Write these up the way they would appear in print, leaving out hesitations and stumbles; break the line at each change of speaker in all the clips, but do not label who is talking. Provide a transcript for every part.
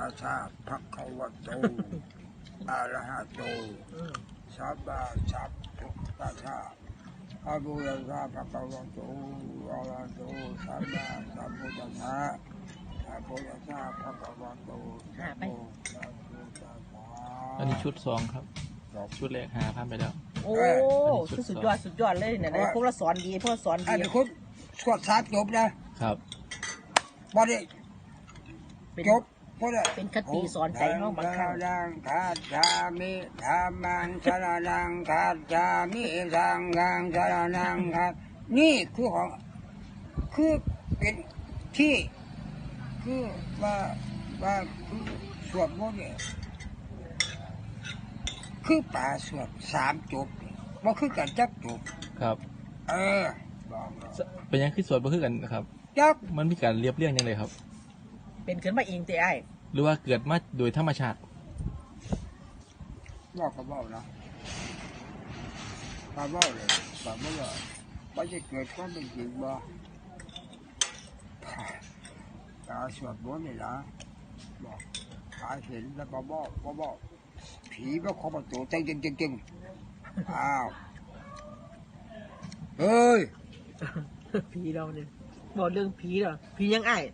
ตัสสะภะคะวะโตอะระหะโตสัมมาสัมพุทธัสสะอะโมตัสสะภะคะวะโตอะระหะโตสัมมาสัมพุทธัสสะอะโมตัสสะภะคะวะโตสัมมาสัมพุทธัสสะ
อันนี้ชุด2ครับชุดแรก5,000ไปแล้ว
โอ้สุดยอดเลยเนี่ยพวกเราสอนดีพวกเราสอน
อัน
ดี
นี้คุณสวดสามจบนะครับ บอดี้จบพอได้
เป็นคติสอนใจน้องบางครั้ง
ดังคาจามิธรรมังสรนังคาจามิสังฆังสรนังคานี่คือของคือเป็นที่คือว่าคือสวดมนต์เนี่ยคือป่าสวดสามจบว่าคือกันจักจบ
ครับ
บอก
เป็นยังคือสวดบ่คือกันนะครับ
จัก
มันมีการเรียบเรียงยังไงครับ
เป็นขึ้นมาเองแต่ไอ้
หรือว่าเกิดมาโดยธรรมชาติ
บอกก็บอกนะมาบอกเลยบอกไม่เลยว่าจะเกิดก็เป็นจริงบ่ตาสวดมนต์นี่นะบอกตาเห็นแล้วก็บอกผีก็ขอประตูจริงอ้าวเฮ้ย
ผีเราเนี่ยบอกเรื่องผีเหรอผียังไอ้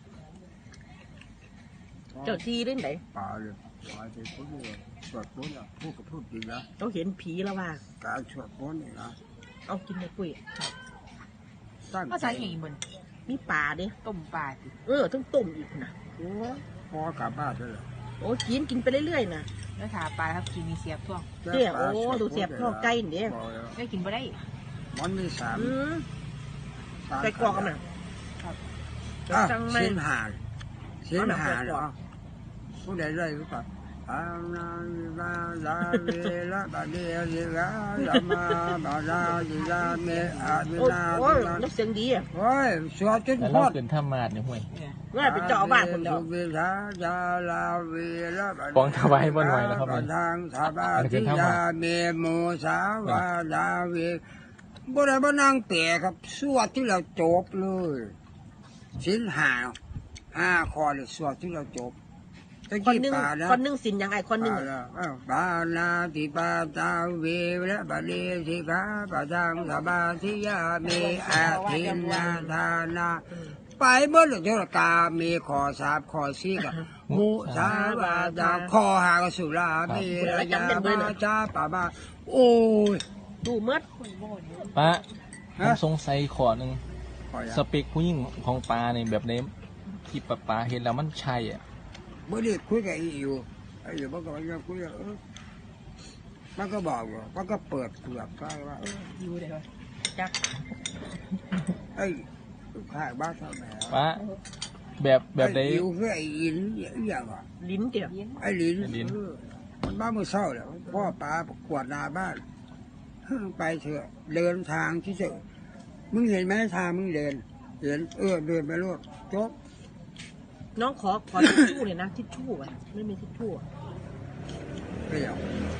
เจ้าที่เล่นไหน
ป่าเลยป่าเป็นคนเดียวสวดมนต์อ่ะพูดกับพูดจริงนะ
เราเห็นผีแล้วว่า
การสวดมนต์นี่นะ
เอากินในกุ้ย
ตั้ง
ภา
ใจ
ษาอีกเหมือน
มีปลาดิ
ต้มปลาสิ
ต้องต้มอีกนะ
โอ้พอกลับบ้านเลย
โอ้กินไปเรื่อยๆนะ
แล้วถาปลาครับกินมีเสียบท่วง
เดี๋ยวโอ้ดูเสียบนอกใจเนี่ย
ได้กินบ่ได้
มันมีสาม
ใส่กรอกกันมั้ย จังเลย
เส้นหาเส้นหาเนาะผู้ใดได้รู้ป่ะอานาลาลาเวละบาเดียลิลาลามาบาลาลิลาเมอาเว
โอ้
ลา
โอ้นักเสียงดีอ่ะ
โอ้ยสวดจน
แล้ว
พอ
เรา
ด
เกินธรรมาสเนี่ยห่วย
ว่าเป็นเจ้าบ้านคนเดียว
เวลาจาลาเวละบา
ฟ้องถวายบ่ไหวแล้วครับ
ทางสาบาทิยาเมโมสาวาลาเวบ่ได้บ่นั่งเปะครับสวดที่เราจบเลยสินห้าข้อเลยสวดที่เราจบตะ
คน
กี้
หนึ่ง
ป่านะ
คนหนึ่งสินยังไงคนหนึ่ง
ปานาติปาตาเวและบาลีสิกาปะทังสบาทิยามีอาทินนาทานาไปเมื่อเจ้ากามีขอสาบขอซีกับมุสาวาดาขอหากสุรามีระยามาจาปะบาโอ้ย
ดูเมื่อ
ป้าผ
ฮะ
มสงสัยขอหนึ่ง
ขออย่า
สเปคผู้หญิงของปลาในแบบนี้ที่ปลาเห็นแล้วมันใช่อ่ะ
เมื่อนี้คุยกับอีอยู่ไอ้อยู่มันก็ยังคุยมันก็บอกว่ามันก็เปิดเปลือกได้ว่า
อยู่เลยวะจัก
ไอ้ข้าบ้านเท่าไหร่
ป้าแบบใด
ไอ้อิวคือไอ้อินอย่างอ่ะ
ลิ้นเดียว
ไอ้ลิน
ไอ้ลิ้น
มันบ้ามือเศร้าแล้วพ่อป้ากวาดนาบ้านไปเถอะเดินทางที่เจอมึงเห็นไหมทางมึงเดินเห็นเดินไปรถจบ
น้องขอทิชชู่เลยนะทิชชู่อ่ะไม่มีทิชชู่
เปรี้ยว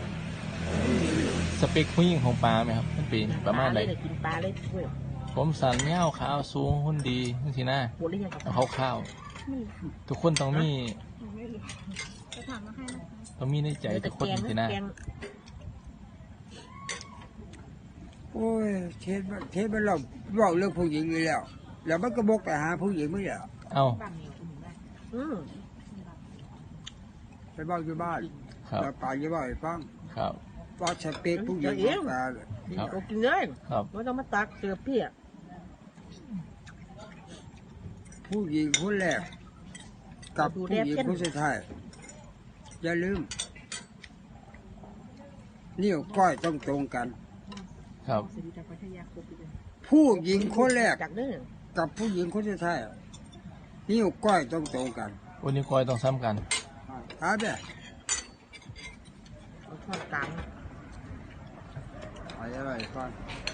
สเปคผู้หญิงของปลาไหมครับมันเป็นประมาณไหน
เลยกินปลาเลยช่วย
ผมสันเงาวขาวสูงหุ่นดีนี่สินะ
หมดหรือยังครับ
เอาข้าวทุกคนต้องมี
จะถามมาให้นะคะ
ต้องมีในใจทุกคนสินะ
แกง
โอ้ยเทปมันเราบอกเรื่องผู้หญิงอยู่แล้วมันก็บกไปหาผู้หญิงไม่เหรอ
เอ้า
บ้านเหนียวอุ่นได้
ไปบอกอยู่บ้าน
ครับ
แล้วไปอยู่บ้านให้ฟัง
ครับ
ว่าสเปคผู้หญิงของตาเลย
ครับ
ก็กินเลย
ครับ
ไม่ต้องมาตักเสือพี่อ่ะ
ผู้หญิงคนแรกกับผู้หญิงคนสุดท้ายอย่าลืมนิ้วก้อยต้องตรงกัน
ครับ
สวัสดีจากพัทยาครบเลย
ผู้หญิงคนแรก
จากเด้อ
กับผู้หญิงคนสุดท้ายนิ้วก้อยต้องตรงกัน
วันนี้คอยต้องซ้ำกัน
หาแบบ
เอาทอดกลาง
ไปอะไรก่อน
เ